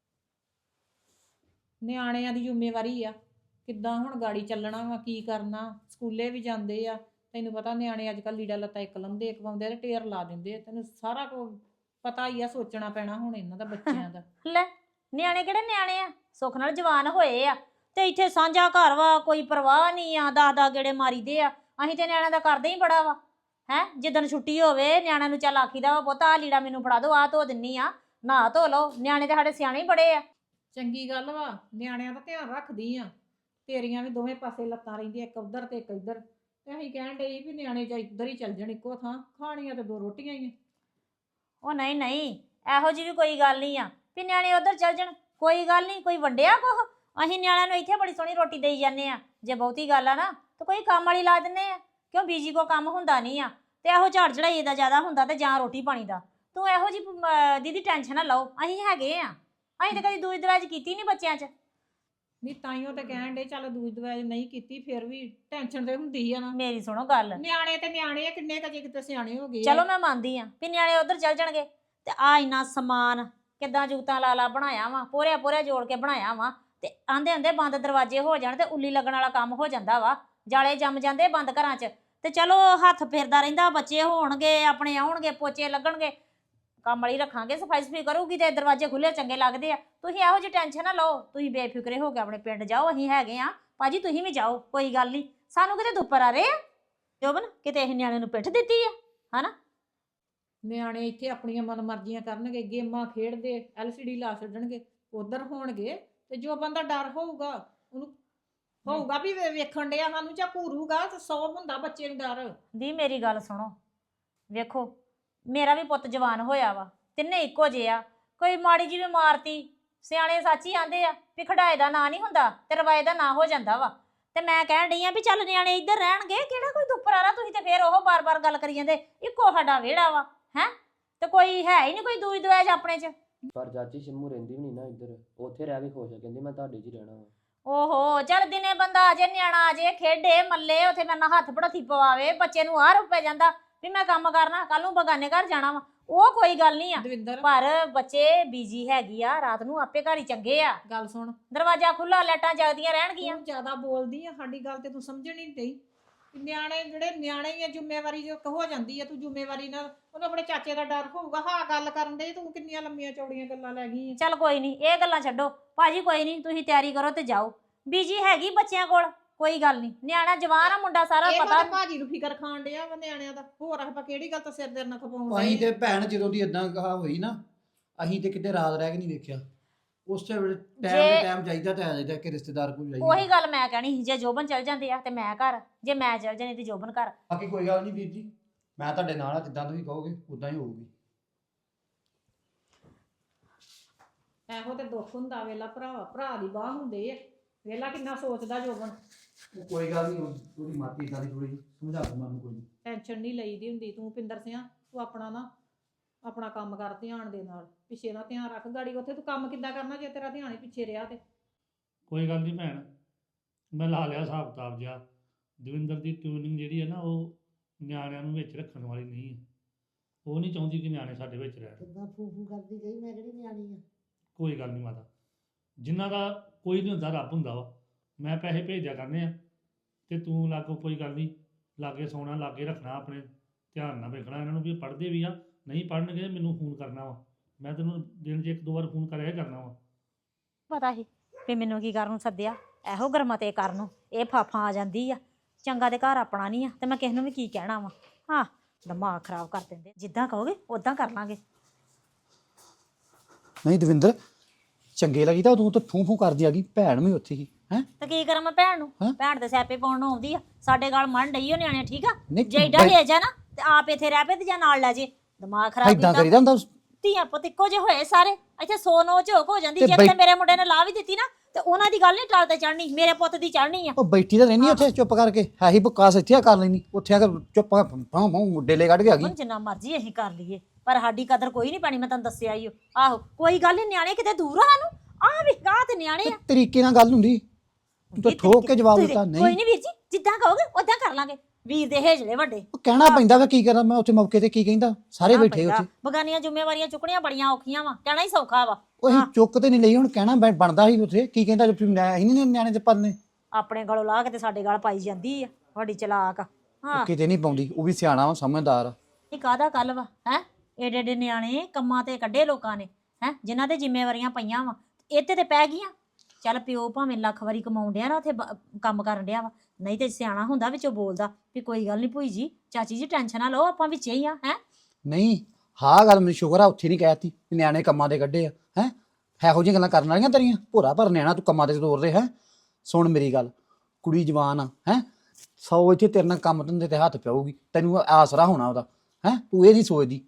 Speaker 1: ਨਿਆਣਿਆਂ ਦੀ ਜ਼ਿੰਮੇਵਾਰੀ ਆ, ਕਿੱਦਾਂ ਹੁਣ ਗਾੜੀ ਚੱਲਣਾ ਵਾ, ਕੀ ਕਰਨਾ। ਸਕੂਲੇ ਵੀ ਜਾਂਦੇ ਆ, ਤੈਨੂੰ ਪਤਾ ਨਿਆਣੇ ਅੱਜ ਕੱਲ੍ਹ ਲੀੜਾ ਲੱਤਾ ਇੱਕ ਲੰਦੇ ਇੱਕ ਪਾਉਂਦੇ ਆ ਤੇ ਢੇਰ ਲਾ ਦਿੰਦੇ ਆ। ਤੈਨੂੰ ਸਾਰਾ ਕੁਝ ਪਤਾ ਹੀ ਆ, ਸੋਚਣਾ ਪੈਣਾ ਹੁਣ ਇਹਨਾਂ ਦਾ, ਬੱਚਿਆਂ ਦਾ।
Speaker 6: ਲੈ ਨਿਆਣੇ ਕਿਹੜੇ ਨਿਆਣੇ ਆ, ਸੁੱਖ ਨਾਲ ਜਵਾਨ ਹੋਏ ਆ ਤੇ ਇੱਥੇ ਸਾਂਝਾ ਘਰ ਵਾ, ਕੋਈ ਪਰਵਾਹ ਨਹੀਂ ਆ। 10 ਗੇੜੇ ਮਾਰੀਦੇ ਆ। ਅਸੀਂ ਤੇ ਨਿਆਣਿਆਂ ਦਾ ਕਰਦੇ ਹੀ ਬੜਾ ਵਾ ਹੈ। ਜਿੱਦਣ ਛੁੱਟੀ ਹੋਵੇ ਨਿਆਣਿਆਂ ਨੂੰ ਚੱਲ ਆਖੀਦਾ ਵਾ ਪੁੱਤ ਆਹ ਲੀੜਾ ਮੈਨੂੰ ਫੜਾ ਦਿਓ, ਆਹ ਧੋ ਦਿੰਨੀ ਆ, ਨਹਾ ਧੋ ਲਓ। ਨਿਆਣੇ ਤੇ ਸਾਡੇ ਸਿਆਣੇ ਹੀ ਬੜੇ ਆ।
Speaker 1: ਚੰਗੀ ਗੱਲ ਵਾ, ਨਿਆਣਿਆਂ ਦਾ ਧਿਆਨ ਰੱਖਦੀ ਆ। ਤੇਰੀਆਂ ਵੀ ਦੋਵੇਂ ਪਾਸੇ ਲੱਤਾਂ ਰਹਿੰਦੀਆਂ, ਇੱਕ ਉੱਧਰ ਤੇ ਇੱਕ ਇੱਧਰ। ਤੇ ਅਸੀਂ ਕਹਿਣ ਡਏ ਵੀ ਨਿਆਣੇ ਜਾਂ ਇੱਧਰ ਹੀ ਚੱਲ ਜਾਣ, ਇੱਕੋ ਥਾਂ ਖਾਣੀਆਂ ਤੇ 2 ਰੋਟੀਆਂ ਹੀ ਆ।
Speaker 6: ਉਹ ਨਹੀਂ ਨਹੀਂ, ਇਹੋ ਜਿਹੀ ਵੀ ਕੋਈ ਗੱਲ ਨਹੀਂ ਆ ਵੀ ਨਿਆਣੇ ਉਧਰ ਚੱਲ ਜਾਣ। ਕੋਈ ਗੱਲ ਨਹੀਂ, ਕੋਈ ਵੰਡਿਆ ਕੁਛ। ਅਸੀਂ ਨਿਆਣਿਆਂ ਨੂੰ ਇੱਥੇ ਬੜੀ ਸੋਹਣੀ ਰੋਟੀ ਦੇਈ ਜਾਂਦੇ ਆ। ਜੇ ਬਹੁਤੀ ਗੱਲ ਆ ਨਾ ਤਾਂ ਕੋਈ ਕੰਮ ਵਾਲੀ ਲਾ ਦਿੰਦੇ ਆ, ਕਿਉਂ ਬੀਜੀ ਕੋ ਕੰਮ ਹੁੰਦਾ ਨਹੀਂ ਆ। ਤੇ ਇਹੋ ਝਾੜ ਚੜਾਈ ਦਾ ਜ਼ਿਆਦਾ ਹੁੰਦਾ ਤੇ ਜਾਂ ਰੋਟੀ ਪਾਣੀ ਦਾ। ਤੂੰ ਇਹੋ ਜਿਹੀ ਦੀਦੀ ਟੈਨਸ਼ਨ ਨਾ ਲਓ, ਅਸੀਂ ਹੈਗੇ ਆ। ਅਸੀਂ ਤਾਂ ਕਦੀ ਦੂਜ ਦਰਾਜ ਕੀਤੀ ਨਹੀਂ ਬੱਚਿਆਂ 'ਚ।
Speaker 1: ਨਹੀਂ ਤਾਈਓ ਤੇ ਕਹਿਣ ਡੇ, ਚੱਲ ਦੂਜ ਦਵਾਜ ਨਹੀਂ ਕੀਤੀ, ਫਿਰ ਵੀ ਟੈਨਸ਼ਨ ਤੇ ਹੁੰਦੀ ਆ ਨਾ।
Speaker 6: ਮੇਰੀ ਸੁਣੋ ਗੱਲ,
Speaker 1: ਨਿਆਣੇ ਤੇ ਨਿਆਣੇ ਆ, ਕਿੰਨੇ ਕਜੇ ਕਿਤੇ ਸਿਆਣੇ ਹੋ ਗਏ ਆ।
Speaker 6: ਚਲੋ ਮੈਂ ਮੰਨਦੀ ਆ ਵੀ ਨਿਆਣੇ ਉਧਰ ਚੱਲ ਜਾਣਗੇ ਤੇ ਆ ਇੰਨਾ ਸਮਾਨ ਕਿੱਦਾਂ ਜੂਤਾਂ ਲਾ ਬਣਾਇਆ ਵਾ, ਪੋਰਿਆ ਜੋੜ ਕੇ ਬਣਾਇਆ ਵਾ, ਤੇ ਆਂਦੇ ਹੁੰਦੇ ਬੰਦ ਦਰਵਾਜ਼ੇ ਹੋ ਜਾਣ ਤੇ ਉੱਲੀ ਲੱਗਣ ਵਾਲਾ ਕੰਮ ਹੋ ਜਾਂਦਾ ਵਾ। ਜਾਲੇ ਜੰਮ ਜਾਂਦੇ ਬੰਦ ਘਰਾਂ 'ਚ। ਤੇ ਚਲੋ ਹੱਥ ਫਿਰਦਾ ਰਹਿੰਦਾ, ਬੱਚੇ ਹੋਣਗੇ ਆਪਣੇ, ਆਉਣਗੇ, ਪੋਚੇ ਲੱਗਣਗੇ, ਕੰਮ ਵਾਲੀ ਰੱਖਾਂਗੇ, ਸਫਾਈ ਸਫਾਈ ਕਰੂਗੀ ਤੇ ਦਰਵਾਜ਼ੇ ਖੁੱਲੇ ਚੰਗੇ ਲੱਗਦੇ ਆ। ਤੁਸੀਂ ਇਹੋ ਜਿਹੀ ਟੈਨਸ਼ਨ ਨਾ ਲਓ, ਤੁਸੀਂ ਬੇਫਿਕਰੇ ਹੋ ਕੇ ਆਪਣੇ ਪਿੰਡ ਜਾਓ, ਅਸੀਂ ਹੈਗੇ ਆ। ਭਾਜੀ ਤੁਸੀਂ ਵੀ ਜਾਓ, ਕੋਈ ਗੱਲ ਨਹੀਂ। ਸਾਨੂੰ ਕਿਤੇ ਦੁੱਪਰ ਆ ਰਹੇ ਆ ਜੋਬਨ, ਕਿਤੇ ਇਹ ਨਿਆਣੇ ਨੂੰ ਪਿੱਠ ਦਿੱਤੀ ਆ ਹਨਾ।
Speaker 1: ਨਿਆਣੇ ਇੱਥੇ ਆਪਣੀਆਂ ਮਨਮਰਜ਼ੀਆਂ ਕਰਨਗੇ, ਗੇਮਾਂ ਖੇਡਦੇ, LCD ਲਾ ਛੱਡਣਗੇ, ਉਧਰ ਹੋਣਗੇ। ਤੇ ਜੋ ਬੰਦਾ ਡਰ ਹੋਊਗਾ ਉਹਨੂੰ ਹੋਊਗਾ ਵੀ ਵੇਖਣ ਡਿਆ ਸਾਨੂੰ ਜਾਂ ਘੂਰੂਗਾ, ਤੇ 100 ਹੁੰਦਾ ਬੱਚੇ ਨੂੰ ਡਰ।
Speaker 6: ਦੀ ਮੇਰੀ ਗੱਲ ਸੁਣੋ, ਵੇਖੋ ਮੇਰਾ ਵੀ ਪੁੱਤ ਜਵਾਨ ਹੋਇਆ ਵਾ, ਤਿੰਨੇ ਇੱਕੋ ਜਿਹੇ ਆ। ਕੋਈ ਮਾੜੀ ਜਿਹੀ ਵੀ ਮਾਰਤੀ, ਸਿਆਣੇ ਸੱਚ ਹੀ ਆਂਦੇ ਆ ਵੀ ਖੜਾਏ ਦਾ ਨਾਂ ਨਹੀਂ ਹੁੰਦਾ ਤੇ ਰਵਾਏ ਦਾ ਨਾਂ ਹੋ ਜਾਂਦਾ ਵਾ। ਤੇ ਮੈਂ ਕਹਿਣ ਡਈ ਆ ਵੀ ਚੱਲ ਨਿਆਣੇ ਇੱਧਰ ਰਹਿਣਗੇ, ਕਿਹੜਾ ਕੋਈ ਦੁੱਪਰ ਆ। ਤੁਸੀਂ ਤੇ ਫੇਰ ਉਹ ਬਾਰ-ਬਾਰ ਗੱਲ ਕਰੀ ਜਾਂਦੇ, ਇੱਕੋ ਸਾਡਾ ਵਿਹੜਾ ਵਾ ਹੈ, ਤੇ ਕੋਈ ਹੈ ਹੀ ਨਹੀਂ ਕੋਈ ਦੂਜ ਦਵਾਜ ਆਪਣੇ 'ਚ।
Speaker 5: ਪਰ ਚਾਚੀ ਸ਼ੰਮੂ ਰਹਿੰਦੀ ਵੀ ਨਹੀਂ ਨਾ ਇੱਧਰ, ਉੱਥੇ ਰਹਿ ਕੇ ਖੁਸ਼ ਆ, ਕਹਿੰਦੀ ਮੈਂ ਤੁਹਾਡੇ 'ਚ ਹੀ ਰਹਿਣਾ ਵਾ।
Speaker 6: ਓਹੋ ਚੱਲ ਦਿਨੇ ਬੰਦਾ ਆ ਜੇ, ਨਿਆਣਾ ਆ ਜੇ, ਖੇਡੇ ਮੱਲੇ, ਉੱਥੇ ਮੇਰੇ ਨਾਲ ਹੱਥ ਪੜੋਥੀ ਪਵਾਵੇ, ਬੱਚੇ ਨੂੰ ਆਹ ਰੁਪਏ ਜਾਂਦਾ ਵੀ ਮੈਂ ਕੰਮ ਕਰਨਾ, ਕੱਲ ਨੂੰ ਬਗਾਨੇ ਘਰ ਜਾਣਾ ਵਾ, ਉਹ ਕੋਈ ਗੱਲ ਨਹੀਂ ਆ।
Speaker 1: ਦਵਿੰਦਰ
Speaker 6: ਪਰ ਬੱਚੇ ਬੀਜੀ ਹੈਗੀ ਆ, ਰਾਤ ਨੂੰ ਆਪੇ ਘਰ ਹੀ ਚੰਗੇ ਆ।
Speaker 1: ਗੱਲ ਸੁਣ,
Speaker 6: ਦਰਵਾਜ਼ਾ ਖੁੱਲਾ, ਲਾਈਟਾਂ ਜਗਦੀਆਂ ਰਹਿਣਗੀਆਂ।
Speaker 1: ਤੂੰ ਜ਼ਿਆਦਾ ਬੋਲਦੀ ਆ, ਸਾਡੀ ਗੱਲ ਤੇ ਤੂੰ ਸਮਝਣ ਨਹੀਂ ਡਈ। ਨਿਆਣੇ ਜਿਹੜੇ ਨਿਆਣੇ ਹੀ ਆ, ਜ਼ਿੰਮੇਵਾਰੀ ਜੋ ਹੋ ਜਾਂਦੀ ਆ, ਤੂੰ ਜ਼ਿੰਮੇਵਾਰੀ ਨਾਲ ਉਹਨੂੰ ਆਪਣੇ ਚਾਚੇ ਦਾ ਡਰ ਹੋਊਗਾ। ਹਾਂ ਗੱਲ ਕਰਨ ਦੇ, ਤੂੰ ਕਿੰਨੀਆਂ ਲੰਮੀਆਂ ਚੌੜੀਆਂ ਗੱਲਾਂ ਲੈ ਗਈ ਆ।
Speaker 6: ਚੱਲ ਕੋਈ ਨਹੀਂ, ਇਹ ਗੱਲਾਂ ਛੱਡੋ ਭਾਜੀ, ਕੋਈ ਨਹੀਂ ਤੁਸੀਂ ਤਿਆਰੀ ਕਰੋ ਤੇ ਜਾਓ। ਬੀਜੀ ਹੈਗੀ ਬੱਚਿਆਂ ਕੋਲ, ਕੋਈ ਗੱਲ ਨਹੀਂ। ਨਿਆਣਾ ਜਵਾਨ ਆ, ਮੁੰਡਾ ਸਾਰਾ
Speaker 1: ਇਹ
Speaker 6: ਪਤਾ।
Speaker 1: ਤਾਂ ਭਾਜੀ ਨੂੰ ਫਿਕਰ ਖਾਣ ਡਿਆ ਵਾ ਨਿਆਣਿਆਂ ਦਾ। ਹੋਰ ਆਪਾਂ ਕਿਹੜੀ ਗੱਲ ਤੋਂ ਸਿਰ ਦੇ ਨਾਲ ਖਪਾਉਣ
Speaker 7: ਅਸੀਂ
Speaker 1: ਡਏ
Speaker 7: ਤੇ ਭੈਣ ਜਦੋਂ ਦੀ ਇਦਾਂ ਕਹਾ ਹੋਈ ਨਾ, ਅਸੀਂ ਤੇ ਕਿਤੇ ਰਾਤ ਰਹਿ ਕੇ ਨਹੀਂ ਵੇਖਿਆ। ਉਸੇ ਵੇਲੇ ਟਾਈਮ
Speaker 6: ਜੇ-
Speaker 7: ਦੇ ਟਾਈਮ ਜਾਈਦਾ ਤੇ ਆ ਜਾਈਦਾ ਕਿ ਰਿਸ਼ਤੇਦਾਰ ਕੋਲ ਜਾਈਦਾ।
Speaker 6: ਉਹੀ ਗੱਲ ਮੈਂ ਕਹਿਣੀ ਸੀ, ਜੇ ਜੋਬਨ ਚਲ ਜਾਂਦੇ ਆ ਤੇ ਮੈਂ ਘਰ, ਜੇ ਮੈਂ ਚਲ ਜਾਣੀ ਤੇ ਜੋਬਨ ਘਰ।
Speaker 7: ਬਾਕੀ ਕੋਈ ਗੱਲ ਨਹੀਂ ਵੀਰ ਜੀ, ਮੈਂ ਤੁਹਾਡੇ ਨਾਲ ਆ, ਜਿੱਦਾਂ ਤੁਸੀਂ ਕਹੋਗੇ ਉਦਾਂ ਹੀ ਹੋਊਗੀ।
Speaker 1: ਇਹੋ ਤੇ ਦੁੱਖ ਹੁੰਦਾ ਵੇਲਾ, ਭਰਾ ਦੀ ਬਾਹ ਹੁੰਦੇ ਆ। ਵੇਲਾ ਕਿੰਨਾ ਸੋਚਦਾ ਜੋਬਨ।
Speaker 7: ਕੋਈ ਗੱਲ ਨਹੀਂ ਉਹਦੀ ਮਾਤੀ ਇਦਾਂ ਦੀ ਥੋੜੀ ਸਮਝਾ ਦੂੰਗਾ ਉਹਨੂੰ ਕੋਈ
Speaker 1: ਟੈਨਸ਼ਨ ਨਹੀਂ ਲਈਦੀ ਹੁੰਦੀ ਤੂੰ ਪਿੰਦਰ ਸਿਆ ਤੂੰ ਆਪਣਾ ਕੰਮ ਕਰ ਧਿਆਨ ਦੇ ਨਾਲ ਪਿੱਛੇ ਦਾ ਧਿਆਨ ਰੱਖ ਗਾੜੀ ਉੱਥੇ ਤੂੰ ਕੰਮ ਕਿੱਦਾਂ ਕਰਨਾ ਜੇ ਤੇਰਾ ਧਿਆਨ ਹੀ ਪਿੱਛੇ ਰਿਹਾ ਤੇ
Speaker 3: ਕੋਈ ਗੱਲ ਨਹੀਂ ਭੈਣ, ਮੈਂ ਲਾ ਲਿਆ ਹਿਸਾਬ ਕਿਤਾਬ ਜਿਹਾ। ਦਵਿੰਦਰ ਦੀ ਟਿਊਨਿੰਗ ਜਿਹੜੀ ਹੈ ਨਾ ਉਹ ਨਿਆਣਿਆਂ ਨੂੰ ਵਿੱਚ ਰੱਖਣ ਵਾਲੀ ਨਹੀਂ ਹੈ। ਉਹ ਨਹੀਂ ਚਾਹੁੰਦੀ ਕਿ ਨਿਆਣੇ ਸਾਡੇ ਵਿੱਚ ਰਹਿਣ।
Speaker 2: ਕਿੱਦਾਂ ਫੂ ਕਰਦੀ ਗਈ, ਮੈਂ ਕਿਹੜੀ ਨਿਆਣੀ ਆ।
Speaker 3: ਕੋਈ ਗੱਲ ਨਹੀਂ ਮਾਤਾ, ਜਿਨ੍ਹਾਂ ਦਾ ਕੋਈ ਨਹੀਂ ਹੁੰਦਾ ਰੱਬ ਹੁੰਦਾ ਵਾ। ਮੈਂ ਪੈਸੇ ਭੇਜਿਆ ਕਰਨੇ ਆ ਤੇ ਤੂੰ ਲਾਗੋ ਕੋਈ ਗੱਲ ਨਹੀਂ, ਲਾਗੇ ਸੌਣਾ, ਲਾਗੇ ਰੱਖਣਾ, ਆਪਣੇ ਧਿਆਨ ਨਾਲ ਵੇਖਣਾ ਇਹਨਾਂ ਨੂੰ ਵੀ ਇਹ ਪੜ੍ਹਦੇ ਵੀ ਆ, ਨਹੀਂ ਪੜ੍ਹਨਗੇ ਮੈਨੂੰ ਫੋਨ ਕਰਨਾ ਵਾ। ਮੈਂ ਤੈਨੂੰ ਦਿਨ 'ਚ 1-2 ਵਾਰ ਫੋਨ ਕਰਿਆ ਕਰਨਾ ਵਾ।
Speaker 6: ਪਤਾ ਸੀ ਵੀ ਮੈਨੂੰ ਕੀ ਕਰਨ ਨੂੰ ਸੱਦਿਆ, ਇਹੋ ਗਰਮਤੇ ਕਰਨ ਨੂੰ। ਇਹ ਫਾਫਾਂ ਆ ਜਾਂਦੀ ਆ, ਚੰਗਾ ਦੇ ਘਰ ਆਪਣਾ ਨਹੀਂ ਆ ਤੇ ਮੈਂ ਕਿਸੇ ਨੂੰ ਵੀ ਕੀ ਕਹਿਣਾ ਵਾ। ਹਾਂ, ਦਿਮਾਗ ਖਰਾਬ ਕਰ ਦਿੰਦੇ। ਜਿੱਦਾਂ ਕਹੋਗੇ ਉਦਾਂ ਕਰ ਲਾਂਗੇ।
Speaker 7: ਨਹੀਂ ਦਵਿੰਦਰ, ਚੰਗੇ ਲੱਗੀ ਤਾਂ ਤੂੰ ਤਾਂ ਫੂੰ ਕਰਦੀ ਆ ਗਈ, ਭੈਣ ਵੀ ਉੱਥੇ ਹੀ ਹੈ।
Speaker 6: ਤੇ ਕੀ ਕਰਾਂ ਮੈਂ ਭੈਣ ਨੂੰ?
Speaker 7: ਹੈਂ?
Speaker 6: ਭੈਣ ਦੇ ਸਿਆਪੇ ਪਾਉਣ ਨੂੰ ਆਉਂਦੀ ਆ, ਸਾਡੇ ਗਾਲ ਮੰਨ ਡਈ ਓ ਨਿਆਣੇ। ਠੀਕ ਆ,
Speaker 7: ਨਹੀਂ,
Speaker 6: ਜੇ ਏਡਾ ਹੇਜ ਆ ਨਾ ਤੇ ਆਪ ਇੱਥੇ ਰਹਿ ਪਏ ਤੇ ਜਾਂ ਨਾਲ ਲੈ ਜੇ। ਦਿਮਾਗ ਖਰਾਬ
Speaker 7: ਇਦਾਂ
Speaker 6: ਕੀਤਾ।
Speaker 7: ਕਰੀਦਾ ਹੁੰਦਾ।
Speaker 6: ਧੀਆਂ ਪੁੱਤ ਇੱਕੋ ਜਿਹੇ ਹੋਏ ਸਾਰੇ, ਇੱਥੇ 100 ਨੋ ਝੋਕ ਹੋ ਜਾਂਦੀ।
Speaker 7: ਤੇ
Speaker 6: ਜੇ ਕਿਤੇ ਮੇਰੇ ਮੁੰਡੇ ਨੇ ਲਾ ਵੀ ਦਿੱਤੀ ਨਾ ਤੇ ਉਹਨਾਂ ਦੀ ਗੱਲ ਨਹੀਂ ਟਾਲ ਤੇ ਚੜਨੀ, ਮੇਰੇ ਪੁੱਤ ਦੀ ਚੜਨੀ ਆ।
Speaker 7: ਉਹ ਬੈਠੀ ਤਾਂ ਰਹਿਣੀ ਉੱਥੇ ਚੁੱਪ ਕਰਕੇ, ਹੈ ਹੀ ਬਕਾਸ ਇੱਥੇ ਆ ਕਰ ਲੈਣੀ, ਉੱਥੇ ਆ ਕੇ ਚੁੱਪ ਭਾਂ ਡੇਲੇ ਕੱਢ ਕੇ ਆ ਗਈ।
Speaker 6: ਹੁਣ ਜਿੰਨਾ ਮਰਜ਼ੀ ਅਸੀਂ ਕਰ ਲਈਏ ਪਰ ਸਾਡੀ ਕਦਰ ਕੋਈ ਨਹੀਂ ਪੈਣੀ। ਮੈਂ ਤੁਹਾਨੂੰ ਦੱਸਿਆ ਹੀ ਆਹੋ, ਕੋਈ ਗੱਲ ਨਹੀਂ। ਨਿਆਣੇ ਕਿਤੇ ਦੂਰ ਆ ਸਾਨੂੰ, ਆ ਵੀ ਗਾਹ ਤੇ ਨਿਆਣੇ ਆ।
Speaker 7: ਤਰੀਕੇ ਨਾਲ ਗੱਲ ਹੁੰਦੀ, ਤੂੰ ਤਾਂ ਠੋਕ ਕੇ ਜਵਾਬ ਦਿੱਤਾ।
Speaker 6: ਕੋਈ
Speaker 7: ਨਹੀਂ
Speaker 6: ਨਹੀਂ ਵੀਰ ਜੀ, ਜਿੱਦਾਂ ਕਹੋਗੇ ਉਦਾਂ ਕਰ ਲਾਂਗੇ। ਵੀਰ ਦੇ ਹੇਜਲੇ ਵੱਡੇ।
Speaker 7: ਉਹ ਕਹਿਣਾ ਪੈਂਦਾ ਵਾ, ਕੀ ਕਰਾਂ ਮੈਂ ਉੱਥੇ ਮੌਕੇ ਤੇ, ਕੀ ਕਹਿੰਦਾ ਸਾਰੇ ਬੈਠੇ ਉੱਥੇ।
Speaker 6: ਬਗਾਨੀਆਂ ਜ਼ਿੰਮੇਵਾਰੀਆਂ ਚੁੱਕਣੀਆਂ ਬੜੀਆਂ ਔਖੀਆਂ ਵਾ, ਕਹਿਣਾ ਹੀ ਸੌਖਾ ਵਾ।
Speaker 7: ਉਹ ਅਸੀਂ ਚੁੱਕ ਤੇ ਨਹੀਂ ਲਈ, ਹੁਣ ਕਹਿਣਾ ਬਣਦਾ ਸੀ ਉੱਥੇ। ਕੀ ਕਹਿੰਦਾ ਅਸੀਂ ਨਹੀਂ ਨਿਆਣੇ ਤੇ ਪਲਨੇ।
Speaker 6: ਆਪਣੇ ਗਲੋਂ ਲਾ ਕੇ ਤੇ ਸਾਡੇ ਗਲ ਪਾਈ ਜਾਂਦੀ ਆ, ਵੱਡੀ ਚਲਾਕ ਆ। ਹਾਂ,
Speaker 7: ਕਿਤੇ ਨਹੀਂ ਪਾਉਂਦੀ, ਉਹ ਵੀ ਸਿਆਣਾ ਵਾ, ਸਮਝਦਾਰ ਆ।
Speaker 6: ਇਹ ਕਾਹਦਾ ਕੱਲ ਵਾ ਹੈ? ਏਡੇ ਏਡੇ ਨਿਆਣੇ ਕੰਮਾਂ ਤੇ ਕੱਢੇ ਲੋਕਾਂ ਨੇ ਹੈ, ਜਿਨ੍ਹਾਂ ਤੇ ਜ਼ਿੰਮੇਵਾਰੀਆਂ ਪਈਆਂ ਵਾ, ਇੱਥੇ ਤੇ ਪੈ ਗਈਆਂ। ਚੱਲ ਪਿਓ ਭਾਵੇਂ ਲੱਖ ਵਾਰੀ ਕਮਾਉਣ ਡਿਆ ਨਾ, ਉੱਥੇ ਕੰਮ ਕਰਨ ਡਿਆ ਵਾ, ਨਹੀਂ ਤੇ ਸਿਆਣਾ ਹੁੰਦਾ ਵਿੱਚੋਂ ਬੋਲਦਾ ਵੀ ਕੋਈ ਗੱਲ ਨਹੀਂ ਭੂਈ ਜੀ, ਚਾਚੀ ਜੀ ਟੈਨਸ਼ਨ ਨਾ ਲਓ, ਆਪਾਂ ਵਿੱਚੇ ਹੀ ਆ। ਹੈ
Speaker 7: ਨਹੀਂ, ਹਾਂ ਗੱਲ ਮੈਨੂੰ ਸ਼ੁਕਰ ਆ ਉੱਥੇ ਨਹੀਂ ਕਹਿਤੀ ਨਿਆਣੇ ਕੰਮਾਂ ਦੇ ਕੱਢੇ ਆ। ਹੈ ਇਹੋ ਜਿਹੀਆਂ ਗੱਲਾਂ ਕਰਨ ਵਾਲੀਆਂ ਤੇਰੀਆਂ? ਭੋਰਾ ਭਰ ਨਿਆਣਾ ਤੂੰ ਕੰਮਾਂ ਤੇ ਤੋਰ ਦੇ। ਹੈ ਸੁਣ ਮੇਰੀ ਗੱਲ, ਕੁੜੀ ਜਵਾਨ ਆ, ਹੈ 100 ਇੱਥੇ ਤੇਰੇ ਨਾਲ ਕੰਮ ਧੰਦੇ ਤੇ ਹੱਥ ਪਿਆਊਗੀ, ਤੈਨੂੰ ਆਸਰਾ ਹੋਣਾ ਉਹਦਾ। ਹੈ ਤੂੰ ਇਹ ਨਹੀਂ ਸੋਚਦੀ।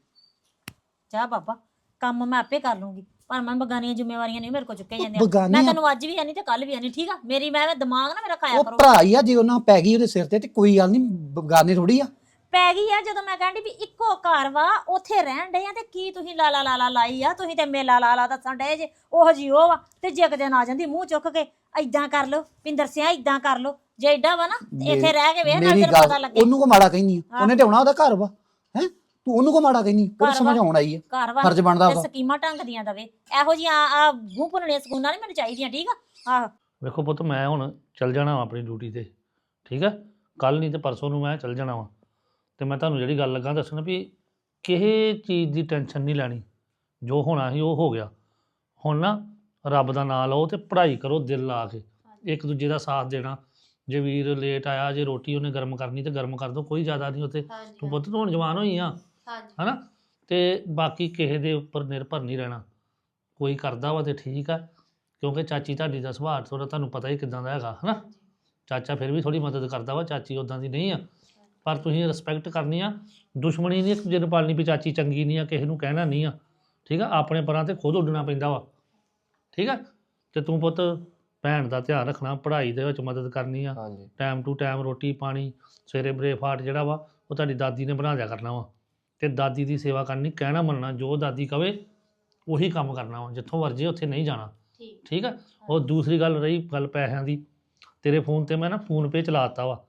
Speaker 6: ਜਾ ਬਾਬਾ, ਕੰਮ ਮੈਂ ਆਪੇ ਕਰ ਲੂੰਗੀ, ਪਰ ਮੈਂ ਬਗਾਨੀਆਂ ਜ਼ਿੰਮੇਵਾਰੀਆਂ ਨਹੀਂ ਮੇਰੇ ਕੋਲ ਚੁੱਕੇ ਜਾਂਦੀਆਂ। ਮੈਂ
Speaker 7: ਬਗਾਨੀਆਂ
Speaker 6: ਤੈਨੂੰ ਅੱਜ ਵੀ ਆਨੀ ਤੇ ਕੱਲ ਵੀ ਆਨੀ। ਠੀਕ ਆ, ਮੇਰੀ ਮੈਂ ਦਿਮਾਗ ਨਾ ਮੇਰਾ ਖਾਇਆ
Speaker 7: ਉਹ
Speaker 6: ਕਰੋ।
Speaker 7: ਭਰਾ ਹੀ ਆ, ਜੇ ਉਹਨਾਂ ਪੈ ਗਈ ਉਹਦੇ ਸਿਰ ਤੇ ਕੋਈ ਗੱਲ ਨਹੀਂ, ਬਗਾਨੇ ਥੋੜੀ ਆ।
Speaker 6: ਪੈ ਗਈ ਆ ਜਦੋਂ ਮੈਂ ਕਹਿੰਦੀ ਵੀ ਇੱਕੋ ਘਰ ਵਾ, ਉੱਥੇ ਰਹਿਣ ਡੇ ਆ ਤੇ ਕੀ ਤੁਸੀਂ ਲਾਲਾ ਲਾਈ ਆ? ਤੁਸੀਂ ਤੇ ਮੇਲਾ ਲਾਲਾ ਦੱਸਣ ਡੇ ਜੇ, ਉਹ ਜੀ ਉਹ ਵਾ। ਤੇ ਜੇ ਕਿਤੇ ਨਾ ਜਾਂਦੀ ਮੂੰਹ ਚੁੱਕ ਕੇ ਏਦਾਂ ਕਰ ਲੋ ਪਿੰਦਰ ਸਿਆ, ਏਦਾਂ ਕਰ ਲੋ। ਜੇ ਏਡਾ ਵਾ ਨਾ ਤੇ ਇੱਥੇ ਰਹਿ ਕੇ ਵੇਖ ਨਾਲ
Speaker 7: ਮੇਰੀ
Speaker 6: ਤੈਨੂੰ
Speaker 7: ਗੱਲ,
Speaker 6: ਪਤਾ ਲੱਗੇ।
Speaker 7: ਉਹਨੂੰ ਕੋ ਮਾੜਾ ਕਹਿੰਦੀ ਆ? ਉਹਨੇ ਤੇ ਆਉਣਾ, ਉਹਦਾ ਘਰ ਵਾ। ਹੈ ਤੂੰ ਉਹਨੂੰ ਕੋ ਮਾੜਾ ਕਹਿੰਦੀ? ਉਹ
Speaker 6: ਘਰ
Speaker 7: ਸਮਝ
Speaker 6: ਵਾ।
Speaker 7: ਆਉਣ ਆਈ ਆ,
Speaker 6: ਘਰ ਵਾ
Speaker 7: ਫਰਜ਼ ਬਣਦਾ
Speaker 6: ਤੇ
Speaker 7: ਉਹਦਾ।
Speaker 6: ਸਕੀਮਾਂ ਢੰਗ ਦੀਆਂ ਦਵੇ। ਇਹੋ ਜਿਹੀਆਂ ਆ ਮੂੰਹ ਭੁੰਨਣੀਆਂ ਸਕੂਨਾਂ ਨਹੀਂ ਮੈਨੂੰ ਚਾਹੀਦੀਆਂ। ਠੀਕ ਆ, ਆਹੋ।
Speaker 3: ਵੇਖੋ ਪੁੱਤ, ਮੈਂ ਹੁਣ ਚੱਲ ਜਾਣਾ ਵਾ ਆਪਣੀ ਡਿਊਟੀ ਤੇ, ਠੀਕ ਹੈ? ਕੱਲ ਨਹੀਂ ਤੇ ਪਰਸੋਂ ਨੂੰ ਮੈਂ ਚੱਲ ਜਾਣਾ ਵਾ। ਤੇ ਮੈਂ ਤੁਹਾਨੂੰ ਜਿਹੜੀ ਗੱਲ ਲੱਗਾ ਦੱਸਣ ਵੀ ਕਿਸੇ ਚੀਜ਼ ਦੀ ਟੈਨਸ਼ਨ ਨਹੀਂ ਲੈਣੀ। ਜੋ ਹੋਣਾ ਸੀ ਉਹ ਹੋ ਗਿਆ। ਹੁਣ ਨਾ ਰੱਬ ਦਾ ਨਾਂ ਲਓ ਤੇ ਪੜ੍ਹਾਈ ਕਰੋ ਦਿਲ ਲਾ ਕੇ, ਇੱਕ ਦੂਜੇ ਦਾ ਸਾਥ ਦੇਣਾ। ਜੇ ਵੀਰ ਲੇਟ ਆਇਆ, ਜੇ ਰੋਟੀ ਉਹਨੇ ਗਰਮ ਕਰਨੀ ਤੇ ਗਰਮ ਕਰ ਦਿਓ, ਕੋਈ ਜ਼ਿਆਦਾ ਨਹੀਂ ਉੱਥੇ। ਤੂੰ ਪੁੱਤ ਤੂੰ ਹੁਣ ਜਵਾਨ ਹੋਈ ਆ, ਹਨਾ? ਤੇ ਬਾਕੀ ਕਿਸੇ ਦੇ ਉੱਪਰ ਨਿਰਭਰ ਨਹੀਂ ਰਹਿਣਾ। ਕੋਈ ਕਰਦਾ ਵਾ ਤੇ ਠੀਕ ਆ, ਕਿਉਂਕਿ ਚਾਚੀ ਤੁਹਾਡੀ ਦਾ ਸੁਭਾਅ ਥੋੜ੍ਹਾ ਤੁਹਾਨੂੰ ਪਤਾ ਹੀ ਕਿੱਦਾਂ ਦਾ ਹੈਗਾ, ਹਨਾ? ਚਾਚਾ ਫਿਰ ਵੀ ਥੋੜ੍ਹੀ ਮਦਦ ਕਰਦਾ ਵਾ, ਚਾਚੀ ਉੱਦਾਂ ਦੀ ਨਹੀਂ ਆ। ਪਰ ਤੁਸੀਂ ਰਿਸਪੈਕਟ ਕਰਨੀ ਆ, ਦੁਸ਼ਮਣੀ ਨਹੀਂ ਇੱਕ ਦੂਜੇ ਨੂੰ ਪਾਲਣੀ ਵੀ ਚਾਚੀ ਚੰਗੀ ਨਹੀਂ ਆ, ਕਿਸੇ ਨੂੰ ਕਹਿਣਾ ਨਹੀਂ ਆ। ਠੀਕ ਆ, ਆਪਣੇ ਪਰਾਂ ਤੇ ਖੁਦ ਉੱਡਣਾ ਪੈਂਦਾ ਵਾ। ਠੀਕ ਆ, ਤੇ ਤੂੰ ਪੁੱਤ ਭੈਣ ਦਾ ਧਿਆਨ ਰੱਖਣਾ, ਪੜ੍ਹਾਈ ਦੇ ਵਿੱਚ ਮਦਦ ਕਰਨੀ ਆ।
Speaker 5: ਹਾਂਜੀ
Speaker 3: ਟਾਈਮ ਟੂ ਟਾਈਮ ਰੋਟੀ ਪਾਣੀ, ਸਵੇਰੇ ਬ੍ਰੇਕਫਾਸਟ ਜਿਹੜਾ ਵਾ ਉਹ ਤੁਹਾਡੀ ਦਾਦੀ ਨੇ ਬਣਾ ਦਿਆ ਕਰਨਾ ਵਾ। ਤੇ ਦਾਦੀ ਦੀ ਸੇਵਾ ਕਰਨੀ, ਕਹਿਣਾ ਮੰਨਣਾ, ਜੋ ਦਾਦੀ ਕਵੇ ਉਹੀ ਕੰਮ ਕਰਨਾ ਵਾ। ਜਿੱਥੋਂ ਵਰਜੇ ਉੱਥੇ ਨਹੀਂ ਜਾਣਾ। ਠੀਕ ਆ। ਉਹ ਦੂਸਰੀ ਗੱਲ ਰਹੀ ਗੱਲ ਪੈਸਿਆਂ ਦੀ, ਤੇਰੇ ਫੋਨ ਤੇ ਮੈਂ ਨਾ ਫੋਨਪੇ ਚਲਾ ਦਿੱਤਾ ਵਾ।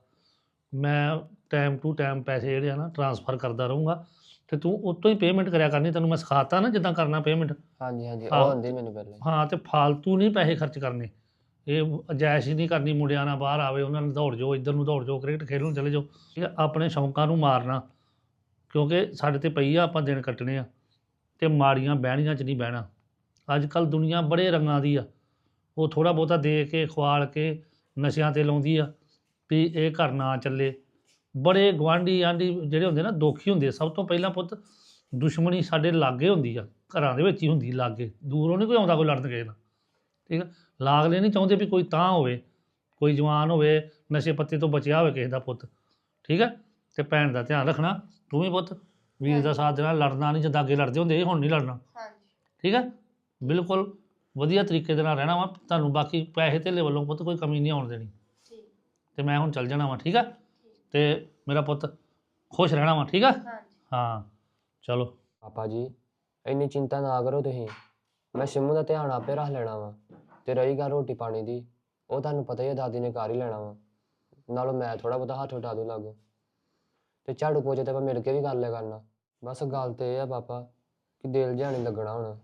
Speaker 3: ਮੈਂ ਟਾਈਮ ਟੂ ਟਾਈਮ ਪੈਸੇ ਜਿਹੜੇ ਆ ਨਾ ਟ੍ਰਾਂਸਫਰ ਕਰਦਾ ਰਹੂੰਗਾ, ਤੇ ਤੂੰ ਉਤੋਂ ਹੀ ਪੇਮੈਂਟ ਕਰਿਆ ਕਰਨੀ। ਤੈਨੂੰ ਮੈਂ ਸਿਖਾਤਾ ਨਾ ਜਿੱਦਾਂ ਕਰਨਾ ਪੇਮੈਂਟ।
Speaker 5: ਹਾਂਜੀ ਹਾਂਜੀ,
Speaker 3: ਹਾਂ।
Speaker 5: ਉਹ ਹੁੰਦੀ ਮੈਨੂੰ ਪਹਿਲਾਂ ਹੀ।
Speaker 3: ਹਾਂ, ਤੇ ਫਾਲਤੂ ਨਹੀਂ ਪੈਸੇ ਖਰਚ ਕਰਨੇ। ਇਹ ਅਜਾਇਸ਼ ਹੀ ਨਹੀਂ ਕਰਨੀ, ਮੁੰਡਿਆਂ ਨਾਲ ਬਾਹਰ ਆਵੇ ਉਹਨਾਂ ਨੂੰ ਦੌੜ ਜਾਓ, ਇੱਧਰ ਨੂੰ ਦੌੜ ਜਾਓ, ਕ੍ਰਿਕਟ ਖੇਡਣ ਨੂੰ ਚਲੇ ਜਾਓ। ਠੀਕ ਹੈ, ਆਪਣੇ ਸ਼ੌਂਕਾਂ ਨੂੰ ਮਾਰਨਾ, ਕਿਉਂਕਿ ਸਾਡੇ ਤੇ ਪਈ ਆ, ਆਪਾਂ ਦਿਨ ਕੱਟਣੇ ਆ। ਤੇ ਮਾੜੀਆਂ ਬਹਿਣੀਆਂ 'ਚ ਨਹੀਂ ਬਹਿਣਾ। ਅੱਜ ਕੱਲ੍ਹ ਦੁਨੀਆ ਬੜੇ ਰੰਗਾਂ ਦੀ ਆ। ਉਹ ਥੋੜ੍ਹਾ ਬਹੁਤਾ ਦੇ ਕੇ ਖਵਾਲ ਕੇ ਨਸ਼ਿਆਂ 'ਤੇ ਲਾਉਂਦੀ ਆ ਵੀ ਇਹ ਘਰ ਨਾ ਚੱਲੇ। ਬੜੇ ਗੁਆਂਢੀ ਆਂਢੀ ਜਿਹੜੇ ਹੁੰਦੇ ਨਾ ਦੁਖੀ ਹੁੰਦੇ। ਸਭ ਤੋਂ ਪਹਿਲਾਂ ਪੁੱਤ ਦੁਸ਼ਮਣੀ ਸਾਡੇ ਲਾਗੇ ਹੁੰਦੀ ਆ, ਘਰਾਂ ਦੇ ਵਿੱਚ ਹੀ ਹੁੰਦੀ, ਲਾਗੇ। ਦੂਰੋਂ ਨਹੀਂ ਕੋਈ ਆਉਂਦਾ ਕੋਈ ਲੜਨ ਕਿਸੇ ਨਾਲ। ਠੀਕ ਆ, ਲਾਗਲੇ ਨਹੀਂ ਚਾਹੁੰਦੇ ਵੀ ਕੋਈ ਤਾਂ ਹੋਵੇ, ਕੋਈ ਜਵਾਨ ਹੋਵੇ ਨਸ਼ੇ ਪੱਤੇ ਤੋਂ ਬਚਿਆ ਹੋਵੇ ਕਿਸੇ ਦਾ ਪੁੱਤ। ਠੀਕ ਹੈ, ਤੇ ਭੈਣ ਦਾ ਧਿਆਨ ਰੱਖਣਾ। ਤੂੰ ਵੀ ਪੁੱਤ ਵੀਰ ਦਾ ਸਾਥ ਦੇਣਾ, ਲੜਨਾ ਨਹੀਂ ਜਿੱਦਾਂ ਅੱਗੇ ਲੜਦੇ ਹੁੰਦੇ, ਹੁਣ ਨਹੀਂ ਲੜਨਾ। ਠੀਕ ਹੈ, ਬਿਲਕੁਲ ਵਧੀਆ ਤਰੀਕੇ ਦੇ ਨਾਲ ਰਹਿਣਾ ਵਾ ਤੁਹਾਨੂੰ। ਬਾਕੀ ਪੈਸੇ ਧੇਲੇ ਵੱਲੋਂ ਪੁੱਤ ਕੋਈ ਕਮੀ ਨਹੀਂ ਆਉਣ ਦੇਣੀ। ਤੇ ਮੈਂ ਹੁਣ ਚੱਲ ਜਾਣਾ ਵਾ, ਠੀਕ ਆ? ਤੇ ਮੇਰਾ ਪੁੱਤ ਖੁਸ਼ ਰਹਿਣਾ ਵਾ, ਠੀਕ ਆ? ਹਾਂ ਚਲੋ।
Speaker 5: ਪਾਪਾ ਜੀ ਇੰਨੀ ਚਿੰਤਾ ਨਾ ਕਰੋ ਤੁਸੀਂ, ਮੈਂ ਸਿੰਮੂ ਦਾ ਧਿਆਨ ਆਪੇ ਰੱਖ ਲੈਣਾ ਵਾ। ਤੇ ਰਹੀ ਗੱਲ ਰੋਟੀ ਪਾਣੀ ਦੀ, ਉਹ ਤੁਹਾਨੂੰ ਪਤਾ ਹੀ ਹੈ ਦਾਦੀ ਨੇ ਕਰ ਹੀ ਲੈਣਾ ਵਾ, ਨਾਲੋਂ ਮੈਂ ਥੋੜਾ ਬਹੁਤਾ ਹੱਥ ਵਟਾ ਦੂ ਲਾਗੋ। ਤੇ ਝਾੜੂ ਪੋਚੇ ਤੇ ਆਪਾਂ ਮਿਲ ਕੇ ਵੀ ਕਰ ਲਿਆ ਕਰਨਾ। ਬਸ ਗੱਲ ਤੇ ਇਹ ਆ ਪਾਪਾ ਕਿ ਦਿਲ ਜਿਹਾ ਨਹੀਂ ਲੱਗਣਾ ਹੁਣ।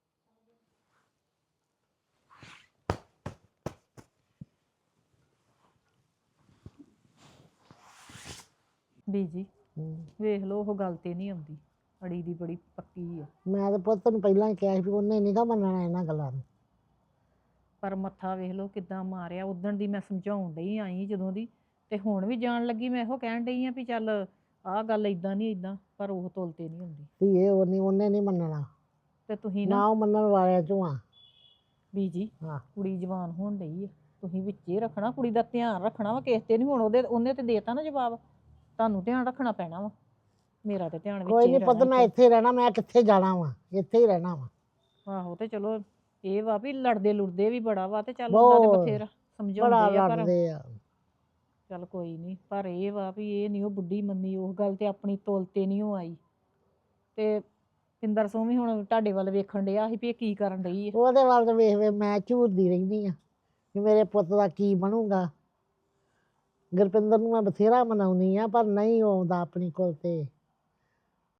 Speaker 1: ਬੀਜੀ ਵੇਖ ਲਓ ਉਹ ਗੱਲ ਤੇ ਨਹੀਂ ਆਉਂਦੀ, ਅੜੀ ਦੀ ਬੜੀ ਪੱਕੀ ਆ।
Speaker 2: ਮੈਂ ਤਾਂ ਪੁੱਤ ਨੂੰ ਪਹਿਲਾਂ ਹੀ ਕਿਹਾ ਸੀ ਵੀ ਉਹਨੇ ਨੀਗਾ ਮੰਨਣਾ ਇਹਨਾਂ ਗੱਲਾਂ ਨੂੰ।
Speaker 1: ਪਰ ਮੱਥਾ ਵੇਖ ਲਓ ਕਿੱਦਾਂ ਮਾਰਿਆ। ਉਦਣ ਦੀ ਮੈਂ ਸਮਝਾਉਣ ਡਈ ਆਈ ਜਦੋਂ ਦੀ, ਤੇ ਹੁਣ ਵੀ ਜਾਣ ਲੱਗੀ ਮੈਂ ਇਹੋ ਕਹਿਣ ਡਈ ਆ ਵੀ ਚੱਲ ਆਹ ਗੱਲ ਇਦਾਂ ਨਹੀਂ ਇਦਾਂ, ਪਰ ਉਹ ਤੁਲ ਤੇ ਨਹੀਂ ਹੁੰਦੀ।
Speaker 2: ਧੀਏ ਉਹਨੇ ਨਹੀਂ ਮੰਨਣਾ,
Speaker 1: ਤੇ ਤੁਸੀਂ
Speaker 2: ਨਾ
Speaker 1: ਨਾ
Speaker 2: ਉਹ ਮੰਨਣ ਵਾਲਿਆਂ ਚੋਂ ਆ।
Speaker 1: ਬੀਜੀ
Speaker 2: ਹਾਂ।
Speaker 1: ਕੁੜੀ ਜਵਾਨ ਹੋਣ ਡਈ ਆ, ਤੁਸੀਂ ਵਿੱਚੇ ਰੱਖਣਾ, ਕੁੜੀ ਦਾ ਧਿਆਨ ਰੱਖਣਾ ਵਾ, ਕਿਸੇ ਤੇ ਨਹੀਂ। ਹੁਣ ਉਹਨੇ ਤੇ ਦੇਤਾ ਨਾ ਜਵਾਬ, ਤੁਹਾਨੂੰ ਧਿਆਨ ਰੱਖਣਾ ਪੈਣਾ ਵਾ। ਮੇਰਾ ਤੇ ਧਿਆਨ
Speaker 2: ਕੋਈ
Speaker 1: ਵਿੱਚੇ
Speaker 2: ਨਹੀਂ ਪੁੱਤ, ਮੈਂ
Speaker 1: ਰਹਿਣਾ।
Speaker 2: ਇੱਥੇ ਹੀ ਰਹਿਣਾ, ਮੈਂ ਕਿੱਥੇ ਜਾਣਾ ਵਾ, ਇੱਥੇ ਹੀ ਰਹਿਣਾ ਵਾ।
Speaker 1: ਆਹੋ ਤੇ ਚਲੋ ਇਹ ਵਾ ਵੀ ਲੜਦੇ ਲੁੜਦੇ ਵੀ ਬੜਾ ਵਾ, ਤੇ ਚੱਲ ਉਹਨਾਂ ਦੇ
Speaker 2: ਬਹੁਤ,
Speaker 1: ਬਥੇਰਾ
Speaker 2: ਬੜਾ
Speaker 1: ਸਮਝਾਉਂਦੇ ਆ, ਪਰ
Speaker 2: ਲੜਦੇ ਆ।
Speaker 1: ਚੱਲ ਕੋਈ ਨਹੀਂ। ਪਰ ਇਹ ਵਾ ਵੀ ਇਹ ਨਹੀਂ ਉਹ ਬੁੱਢੀ ਮੰਨੀ ਉਸ ਗੱਲ ਤੇ, ਆਪਣੀ ਤੋਲ ਤੇ ਨਹੀਂ ਉਹ ਆਈ। ਤੇ ਪਿੰਦਰ ਸੋਂ ਵੀ ਹੁਣ ਤੁਹਾਡੇ ਵੱਲ ਵੇਖਣ ਡਿਆ ਸੀ ਵੀ ਇਹ ਕੀ ਕਰਨ ਡਈ ਹੈ।
Speaker 2: ਉਹਦੇ ਵੱਲ ਤਾਂ ਵੇਖ ਵੇਖ ਮੈਂ ਝੂਰਦੀ ਰਹਿੰਦੀ ਆ ਕਿ ਮੇਰੇ ਪੁੱਤ ਦਾ ਕੀ ਬਣੂਗਾ। ਗੁਰਪਿੰਦਰ ਨੂੰ ਮੈਂ ਬਥੇਰਾ ਮਨਾਉਣੀ ਆ, ਪਰ ਨਹੀਂ ਉਹ ਆਉਂਦਾ ਆਪਣੀ ਕੋਲ ਤੇ।